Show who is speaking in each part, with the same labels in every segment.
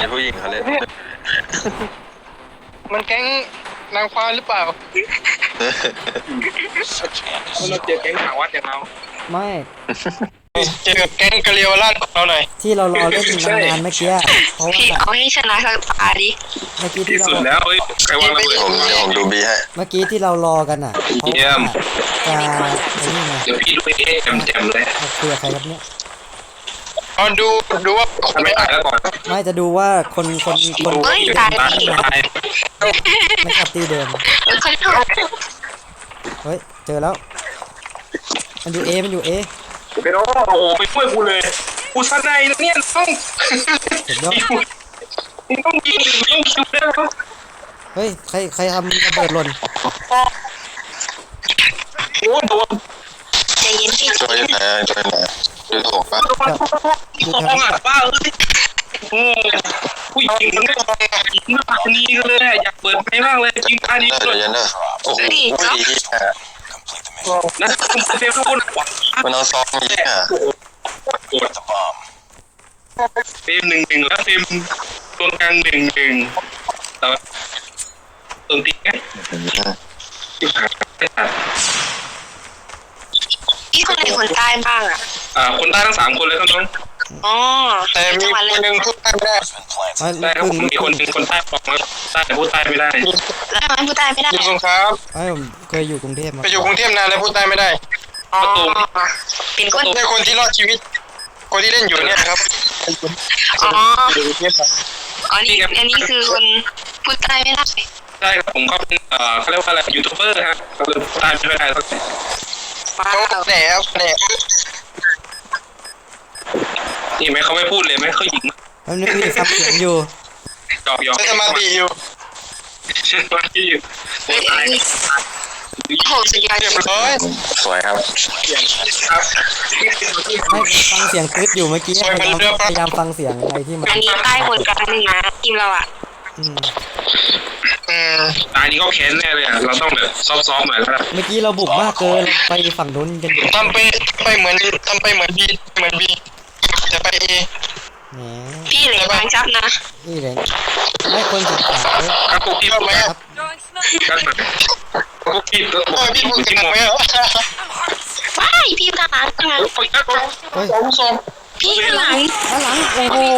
Speaker 1: ผู้หญิงเขาเล่น
Speaker 2: มันแก๊งนางฟ้าหรือเปล่าเราเจอแก๊งหาวัดอย่างเรา
Speaker 3: ไม่
Speaker 2: เจอแก๊งกะเลียวราชของเราหน่อย
Speaker 3: ที่เรารอเล่นนานๆเมื่อกี้เพราะว่า
Speaker 4: เอาให้ชนะสักตาดิ
Speaker 3: เมื่อกี้ที่เรา
Speaker 1: สุดแล้วใครวางระเบิดผมดูบีให้
Speaker 3: เมื่อกี้ที่เรารอกันอ่ะเพราะว่าจะนี่ไง
Speaker 1: เดี๋ยวพี่ดูเอแจมเลย
Speaker 3: คุยกับใครครับเนี่ย
Speaker 2: ดูว่า
Speaker 1: ไม่ตายแล้วก่อน
Speaker 3: ไม่จะดูว่าคน
Speaker 4: ตาย
Speaker 3: ไม่ขับตีเดิมเฮ้ยเจอแล้วมันอยู่เอไป
Speaker 1: โอ้โหไปช่วยกูเลยกูสไนเนี่ยต้องต้องยิงต้องคิวได้แล้ว
Speaker 3: เฮ้ยใครทำระเบิดหล่น
Speaker 1: โอ้โดน
Speaker 4: ใจเย็นพี่
Speaker 1: ช่วยไหนดูถูกป่ะ
Speaker 3: ดู
Speaker 1: ทำอ่ะป้าเอ้ยผู้หญิงมันไม่ปากนี้เลยอยากเปิดไปมากเลยจริงตาดีเลยโอ้โหดีนะคุณเซฟทุกคนมันเอาซองยิงอ่ะเฟรม1-1แล้วเฟรมตรงกลาง1-1แต่ตรงตีไง
Speaker 4: พี่คนไหนคนใต้บ้าง
Speaker 1: คนใต้ทั้ง3คนเลยครับน้อง
Speaker 4: อ๋อ
Speaker 2: แต่มีคนหนึ่งพูดใต้ไม่ได้
Speaker 1: ได้ครับมีคนหนึ่งคนใต้บอกมาใต้พูดใต้ไม่ได้
Speaker 4: แล้วทำไมพูดใต้ไม่ได้
Speaker 2: อยู่สงขลา
Speaker 3: ผมเคยอยู่กรุงเทพมา
Speaker 2: ไปอยู่กรุงเทพนานแล้วพูดใต้ไม่ได้
Speaker 4: อ๋อเป็น
Speaker 2: คนที่รอดชีวิตคนที่เล่นอยู่เนี่ยครับ
Speaker 4: อ๋ออันนี้คือคนพูดใต้ไม่ได้
Speaker 1: ใช่ครับผมก็เป็นเขาเรียกว่าอะไรยูทูบเบอร์ฮะก็เลยพูดใต้ไม่ได้สักที
Speaker 2: เขาแหน
Speaker 1: นี่ไหมเขาไม่พูดเลยไหมเขาหยิง
Speaker 3: มันไม่มีซับเสียงอยู่
Speaker 1: ยอก
Speaker 2: สมาธิอยู่
Speaker 4: โหสุดยอด
Speaker 2: เรียบร้อย
Speaker 1: สวยครับ
Speaker 3: ไม่ฟังเสียงคลิปอยู่เมื่อกี้พยายามฟังเสียงอะไรที่มัน
Speaker 4: อันนี้ใต้หมดกันหนึ่งนะทีมเรา
Speaker 1: ตายนี้ก็แค้นแน่เลยเราต้องแบบซ้อมๆหน่อยแล้ว
Speaker 3: เมื่อกี้เราบุกมากเกินไปฝั่งนู้นกัน
Speaker 2: ทำไปเหมือนบีจะไปเอ
Speaker 4: พี่เหลือบางจับนะ
Speaker 3: นี่เลยไม่ควรศึกษา
Speaker 1: ครับพวกพี่ไหมครับพวกพี่
Speaker 2: พี่พูดถึงไหม
Speaker 4: ว้ายพี่ข้างหลังข้างหลังพี่ข้างหลัง
Speaker 3: โอ้โห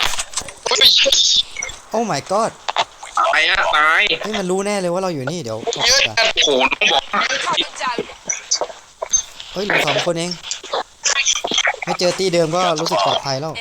Speaker 3: โอ้ my god
Speaker 1: ตาย
Speaker 3: นี่มันรู้แน่เลยว่าเราอยู่นี่เดี๋ยว
Speaker 1: เยอะกันโขนต้องบอก
Speaker 3: เฮ้ยเหลือ2 คนเองไม่เจอตีเดิมก็รู้สึกปลอดภัยแล้ว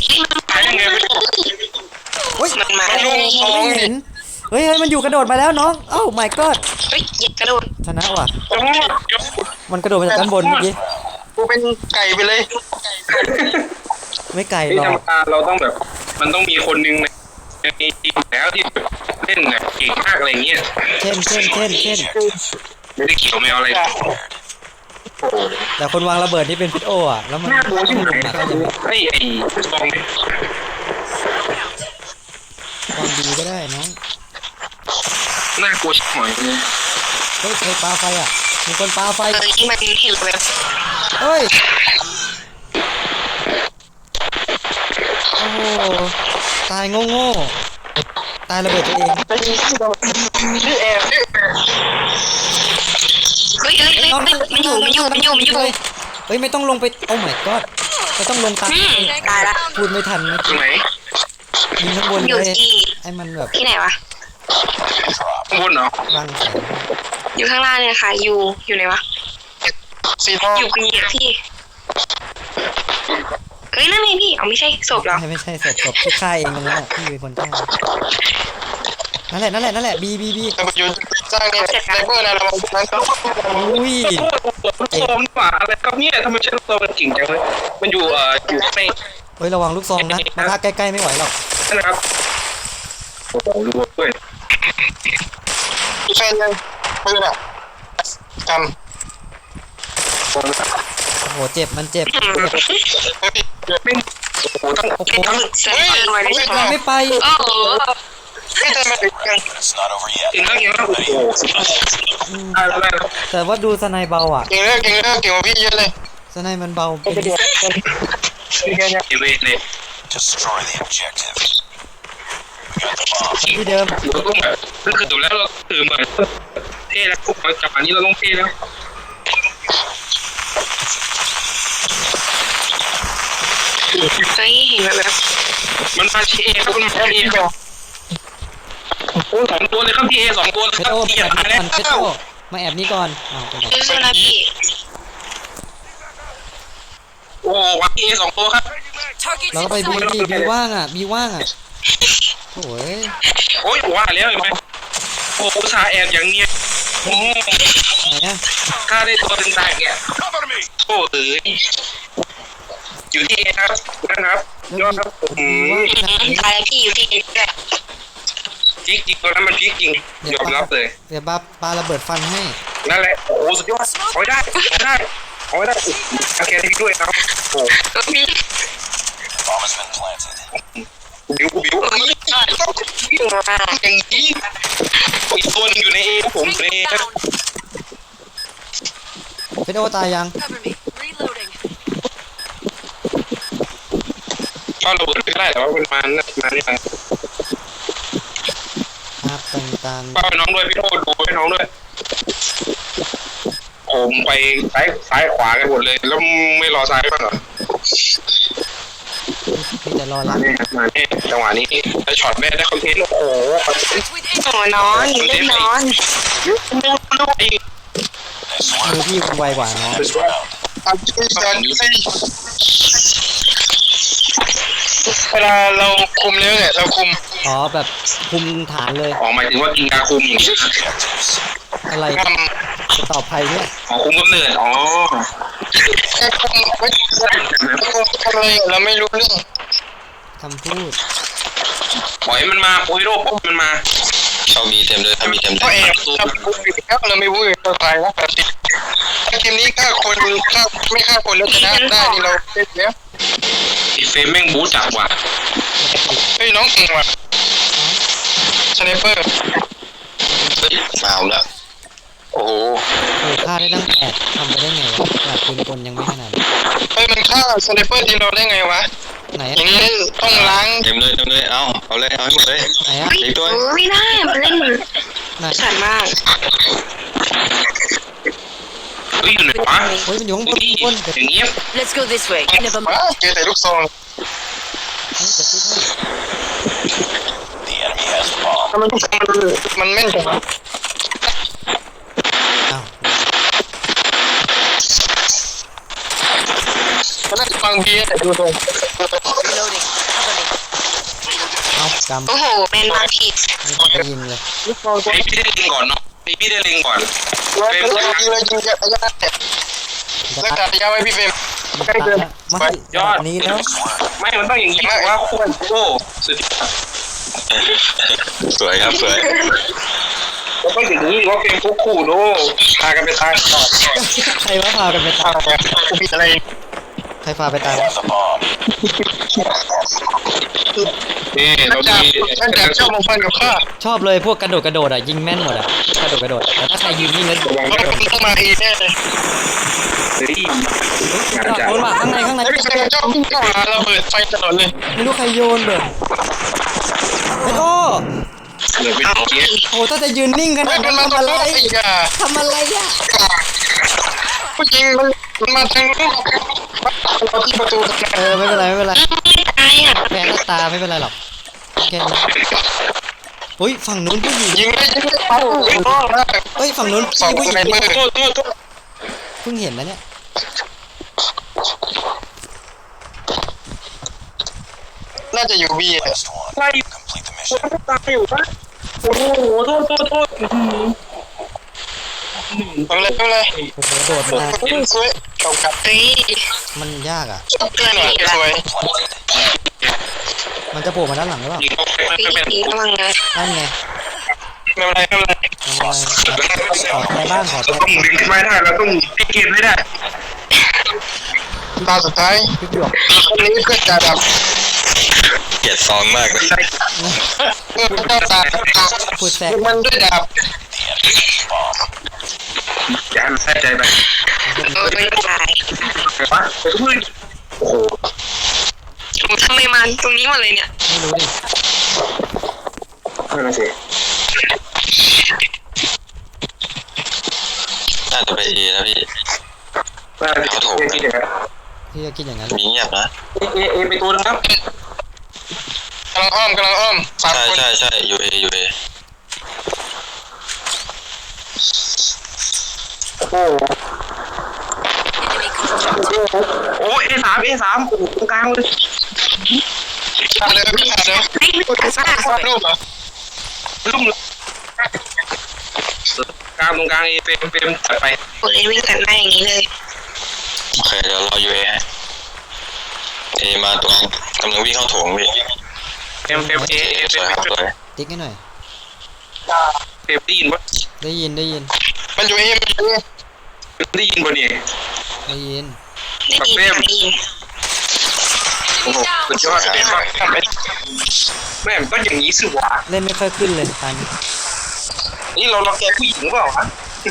Speaker 3: เฮ้ย
Speaker 4: มันมา
Speaker 3: ไม่เห็นเฮ้ยมันอยู่กระโดดมาแล้วน้องเอ้า my god
Speaker 4: เฮ้ยกระโดด
Speaker 3: ชนะว่ะมันกระโดดมาจากด้านบนเมื่อกี้
Speaker 2: กูเป็นไก่ไปเลย
Speaker 3: ไม่ไก่หรอก
Speaker 1: เราต้องแบบมันต้องมีคนนึงในทีมแล้วที่เล่นแบบเก่งมากอะไรเงี้ย
Speaker 3: เช่น
Speaker 1: ไม่ได้เกี่ยวไม่เอาอะไร
Speaker 3: แต่คนวางระเบิดที่เป็นพิษโออ่ะแล้วมัน
Speaker 1: โดนที่ไหนไอ้ซอง
Speaker 3: วางดีก็ได้น้อง
Speaker 1: น่ากลัวชิบหายเลย
Speaker 3: เฮ้ยใครปาไฟอ่ะมีคนปาไฟ
Speaker 4: มันเห็นแบบ
Speaker 3: เฮ้ยโอ้โหตายโง่ตายระเบิดตัวเอง
Speaker 4: เฮ้ยมันอยู่
Speaker 3: เฮ้ยไม่ต้องลงไปโอ้ my god ไม่ต้องลงตาย
Speaker 4: ละ
Speaker 3: พูดไม่ทันนะ
Speaker 1: ตรงไหน
Speaker 3: ยิงข้างบนเลยให้มันแบบ
Speaker 4: ที่ไหนวะ
Speaker 1: ข้างบนเหรอ
Speaker 3: วางแสง
Speaker 4: อยู่ข้างล่างเนี่ยค่ะอยู่ไหนวะอยู่ปีพี่เฮ้ยนั่นไงพี่เอาไม่ใช่ศพหรอ
Speaker 3: ไม่ใช่ศพที่ฆ่าเองนั่นแหละพี่เป็นคนฆ่านั่นแหละบี
Speaker 2: อยู่สร้างเนี่ยไซเบอร์นะเรา
Speaker 3: อุ้ย
Speaker 1: โซมป่าอะไรครับเนี่ยทำไมใช้ลูกซองมันเก่งจังเลยมันอยู่ใน
Speaker 3: เฮ้ยระวังลูกซองนะมาใกล้ๆไม่ไหวหรอก
Speaker 1: นั่นนะครับโอ้โหรู้ด้วย
Speaker 2: ใช่ยังปืนอ่ะจำ
Speaker 3: โอ้โหเจ็บมันเจ็บ
Speaker 1: ไม่โอ้โหต้อง
Speaker 3: ไม่ไป
Speaker 1: อีกแล้วยังโอ้โห
Speaker 3: แต่ว่าดูสไนเบาอ่ะ
Speaker 2: เก่งกว่าพี่เยอะเลย
Speaker 3: สไนมันเบา
Speaker 1: เป็นเลย
Speaker 3: ที่เดิม
Speaker 1: เราต้องแบบคือจบแล้วเราตื่นเหมือนเท่แล้วจับอันนี้เราต้องเท่แล้ว
Speaker 4: เฮ้ยเห็นแบบ
Speaker 1: มันมาที่เอครับมันมาที่เอโอ้สองตัวเลยครับที่เอสองตัวเลย
Speaker 3: เพ
Speaker 1: ค
Speaker 3: ช
Speaker 1: รั
Speaker 3: ร
Speaker 1: บ
Speaker 3: โอ
Speaker 1: ที่
Speaker 3: มาแอบ
Speaker 1: หาย
Speaker 3: นี้
Speaker 1: แล้
Speaker 3: ก่อนเพชรโอ
Speaker 1: ว
Speaker 3: มาแอบนี้ก่อนอ้าวไปไหน
Speaker 4: ซื้อนะพี่
Speaker 1: โอ้วัดที่เอสองตัวครับ
Speaker 3: เราก็ไปบีบีว่างอ่ะบีว่างอ่ะโอ้ย
Speaker 1: โอ้ยว่าแล้วเห็นไหมโอ้ชาแอบอย่างเนี้ยโอ้
Speaker 3: ไหนอ่ะ
Speaker 1: ฆ่าได้ตัวถึงตายแกโอ้เอ๋ยอยู่ที่เอครับนะครับยอดครับผม
Speaker 4: ตายพี่อยู่ที่เอ็ดด้วย
Speaker 1: พีกจริงตัวนั้นมันพีกจริงยอมรับเลย
Speaker 3: เดี๋ยวปาระเบิดฟันให้
Speaker 1: นั่นแหละโอ้สุดยอดเอาได้เอาได้เอาได้โอเคที่ด้วยครับโอ้
Speaker 4: พี่
Speaker 1: บิวบิวอย่างนี้อีกตัวนึงอยู่ในเอผมในเอ
Speaker 3: เพชรโอตายยัง
Speaker 1: ก็ระเบิดไม่ได้แต่ว่ามันมานี่ไง
Speaker 3: ครับต่าง
Speaker 1: ก็น้องด้วยพี่โทษดูให้น้องด้วยผมไปซ้ายขวากันหมดเลยแล้วไม่รอซ้ายบ้างเหรอ
Speaker 3: ๆพี่จะรอ
Speaker 1: มา
Speaker 3: รับ
Speaker 1: เนี่ยมาเนี่ยจังหวะนี้ได้ช็อตแม่ได้คอนเทนต์โอ้โห
Speaker 4: โอ้นอนเล่นนอน
Speaker 3: มือพี่ไวกว่าเนาะ
Speaker 2: เวลาเราคุมเนื้อเนี่ยเราคุม
Speaker 3: อ๋อแบบคุมฐานเลย
Speaker 1: อ๋อหมายถึงว่ากินยาคุมอย่างนี้
Speaker 3: อะไร
Speaker 2: ท
Speaker 3: จะตอบใครเนี่ย
Speaker 1: อ๋อคุมกำเนิดอ๋อ
Speaker 2: ำแค่คุมไม่ทำอะไรเราไม่รู้เรื่อง
Speaker 3: คำพูด
Speaker 1: ปล่อยมันมาโอ้ยโรคมันมา
Speaker 5: เขามีเต็มเลยเขามีเต็มเล
Speaker 2: ก็
Speaker 5: ย
Speaker 2: แอบทำคุมอยู่แล้วเราไม่รู้เลยเราตายแล้วแบบทีมนี้ฆ่าคนฆ่าไม่ฆ่าคนแล้วชนะได้นี่เราเล่นแล้ว
Speaker 1: อีเฟมแม่งบู๊จับว่ะ
Speaker 2: เฮ้ยน้องเก่งว่ะสไนเปอร์
Speaker 5: เฮ้ยมาเอาละโอ้โห
Speaker 3: เคยฆ่าได้ตั้ง8ทำไปได้ไงวะขนาดปืนกลยังไม่ขนาด
Speaker 2: เฮ้ยมันฆ่าสไนเปอร์ทีมเราได้ไงวะ
Speaker 3: ไหน
Speaker 2: อ
Speaker 3: อะ
Speaker 2: ย่างนี้ต้องล้าง
Speaker 5: เต็มเลยเอาเลยเอาให้หมดเลย
Speaker 3: ไหนอะ
Speaker 4: ไม่ได้มันเล่น
Speaker 3: ไหน
Speaker 4: สั่นมาก
Speaker 1: เฮ้ยอยู่ไหนวะ
Speaker 3: โอ้ยมันอยู่ข้างบน
Speaker 1: นี่
Speaker 3: ข้างบนเดี๋ยว
Speaker 1: อย่างเงี้ย
Speaker 6: Let's go this way. Never
Speaker 2: ว้า
Speaker 6: mind.
Speaker 2: เจอแต่ลูกซอง
Speaker 3: เดี๋ยวติ๊กให้
Speaker 2: ทำไมลูกซองมันแม่นจังวะ
Speaker 3: อ้าว
Speaker 2: มันน่าจะฟังเบียร์แต่ดูตรง
Speaker 6: Reloading. Cover me.
Speaker 3: เอากำ
Speaker 4: โอ้โหเป็นมาผิด
Speaker 3: ไม่ต้องไปยิงเลย
Speaker 2: ลูกซองตัว
Speaker 1: ไอพี่ได้เล็งก่อนเนาะไอพี่ได้เล็งก่อน
Speaker 2: เรายิงเลยยิงระยะรักษาระยะไว้พี่เฟรม ใกล้เกิน
Speaker 3: ไม่แบบนี้แล้ว
Speaker 1: ไม่มันต้องอย่างนี้ว่าโค้โอ้สุดยอด
Speaker 5: สวยครับสวย
Speaker 1: มันต้องอย่างนี้ว่าเป็นคู่คู่โนพากันไปตายต่อ
Speaker 3: ใครว่าพากันไปตาย
Speaker 2: กูผิดอะไร
Speaker 3: ใครพาไปตายวะ
Speaker 1: นี่
Speaker 2: นั่
Speaker 1: เรา
Speaker 2: น
Speaker 1: ดี
Speaker 2: แดกชอบมองฟันกับข้า
Speaker 3: ชอบเลยพวกกระโดดอ่ะยิงแม่นหมดอ่ะกระโดดแต่ถ้าใครยืนนิ่งแล้ว
Speaker 1: ระวัง
Speaker 2: เพราะ
Speaker 1: นะ
Speaker 2: คุณต้องมาเองแน่เลย
Speaker 1: เฮ้ยงานจัด
Speaker 3: โดนมาข้างใน
Speaker 2: พี่เฟรมชอบพุ่งเข้าหาระเบิดไฟตลอดเลย
Speaker 3: ไม่รู้ใครโยนเลยโอ้
Speaker 1: เหลือเป็นเงี้ย
Speaker 3: โหถ้าจะยืนนิ่งขนา
Speaker 2: เฮ้ย
Speaker 3: ด
Speaker 2: มั
Speaker 3: นั้น น
Speaker 2: มา
Speaker 3: ทำ
Speaker 2: ต
Speaker 3: อะไร
Speaker 2: ลอดอีกอ่ะ
Speaker 3: ทำอะไรอ่ะ
Speaker 2: ผู้หญิงมันมาทางนู้นเราที่ประตู
Speaker 3: ไม่เป็นไร
Speaker 4: ไม่ตายอ่ะ
Speaker 3: แพ้ก็ตาไม่เป็นไรหรอกแค่นี้เฮ้ยฝั่งนู้นผู้หญิง
Speaker 2: ยิงได้ปั๊บ
Speaker 3: เฮ้ยฝั่งนู้น
Speaker 2: สอง
Speaker 3: ผู้หญิ
Speaker 2: สไน
Speaker 3: ง
Speaker 2: เปอร์
Speaker 1: โทษ
Speaker 3: เพิ่งเห็นนะเนี่ย
Speaker 2: น่าจะอยู่บีอ่ะ
Speaker 1: ไล่ตายอยู่ปะโอ้โหโทษ
Speaker 2: ทำอะไรทำอะไร
Speaker 3: โอ้โหโดดมา
Speaker 2: สวยเก่ากับ
Speaker 4: เฮ้ย
Speaker 3: มันยากอ่ะ
Speaker 4: เตือนพี่ละ
Speaker 2: สวย
Speaker 3: มันจะโผล่มาด้านหลังหรือเปล่า
Speaker 1: ยิงเขาไม่
Speaker 4: พี่
Speaker 1: เป็น
Speaker 4: ระวังนะ
Speaker 3: นั่นไง
Speaker 2: ไม่เป็นไรไม่เป็นไร
Speaker 3: ขอใจบ้างขอใจ
Speaker 1: เราต้องดึงขึ้นมาได้เราต้องพิกเกมให้ได้
Speaker 2: ตาสุดท้าย
Speaker 3: พี่หยวก
Speaker 2: คนนี้เพื่อนจ่าดับ
Speaker 5: เกลียดซองมากเลย
Speaker 2: เพื่อนเจ้าตา
Speaker 3: พูดแทรก
Speaker 2: มันด้วยดาบ
Speaker 1: อย่าให้มันแทรกใจไป
Speaker 4: ไม่ตาย
Speaker 1: ไปปะไปทุกที่โอ้โห
Speaker 4: ทำไมมันตรงนี้หมดเลยเนี่ย
Speaker 3: ไม่รู้ดิ
Speaker 1: นั่นน่ะสิ
Speaker 5: น่าจะไปเอนะพี่
Speaker 1: น่าจะคิดอย่างนั้น
Speaker 3: พี่ก็คิดอย่างนั้น
Speaker 5: มีเงียบนะ
Speaker 1: เอไปตัวนึงครับ
Speaker 2: กำลังอ้อมสาม
Speaker 5: ใช่
Speaker 2: คน
Speaker 5: ใช่อยู่เอ
Speaker 1: โอ้
Speaker 6: Enemy constructed.
Speaker 1: โอ้เอสามโอ้โหตรงกลางเลย
Speaker 2: ผ่านเลยพี่ผ่านเลย
Speaker 4: ไม่ไม่กระซ่า
Speaker 2: วาดรูปเหรอ
Speaker 1: ลุ่มเลยกลางตรงกลางเอเฟรมจัดไป
Speaker 4: โอ้ยวิ่งตัดหน้าอย่างนี้เลย
Speaker 5: โอเคเดี๋ยวรออยู่เอให้เอมาตรงกำลังวิ่งเข้าโถงพี่
Speaker 1: เฟรมเอ
Speaker 5: สวยครับสวย
Speaker 3: ติ๊กให้หน่อย
Speaker 1: เฟรมได้ยินปะ
Speaker 3: ได้ยิน
Speaker 2: มันอยู่เอมันอยู่เอ
Speaker 1: ได้ยินปะเนี่ย
Speaker 3: ได้ยิน
Speaker 4: ได้ยิน
Speaker 1: โอ้โหสุดยอดเลยครับแม่มันก็อย่างนี้สิวะ
Speaker 3: เล่นไม่ค่อยขึ้นเลยตัน
Speaker 1: นี่เราแกผู้หญิงหรือเปล่าวะ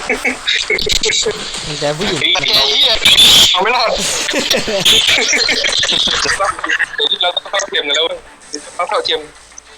Speaker 3: มีแต่ผู้หญิง
Speaker 2: แต่แกเฮียเอาไม่รอด
Speaker 1: เราต้องเข้าเทียมกันแล้วต้องเข้าเทียม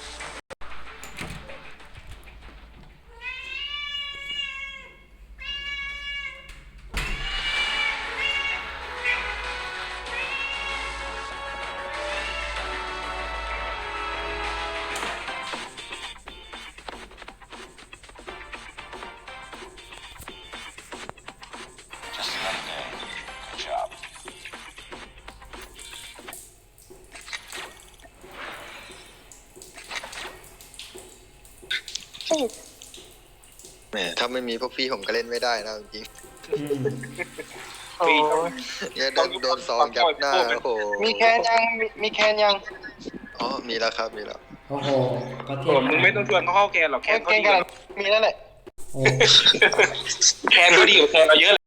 Speaker 7: แหมถ้าไม่มีพวกพี่ผมก็เล่นไม่ได้นะจริง
Speaker 2: โอ้ย
Speaker 7: ๆเนี่ยโดนซองยัดหน้าโอ้โห
Speaker 2: มีแคนยังมีแคนยัง
Speaker 7: อ๋อมีแล้วครับมีแล้ว
Speaker 3: โอ้โหประเท
Speaker 1: โอ้
Speaker 3: ศ
Speaker 1: มึงไม่ต้องชวนเขาเข้าแกนหรอกแกนเขา
Speaker 2: แคน
Speaker 1: ดี
Speaker 2: กันมีแล้วแหละ
Speaker 3: โอ้
Speaker 1: แกนเขาดีกว่าแกนเราเยอะเลย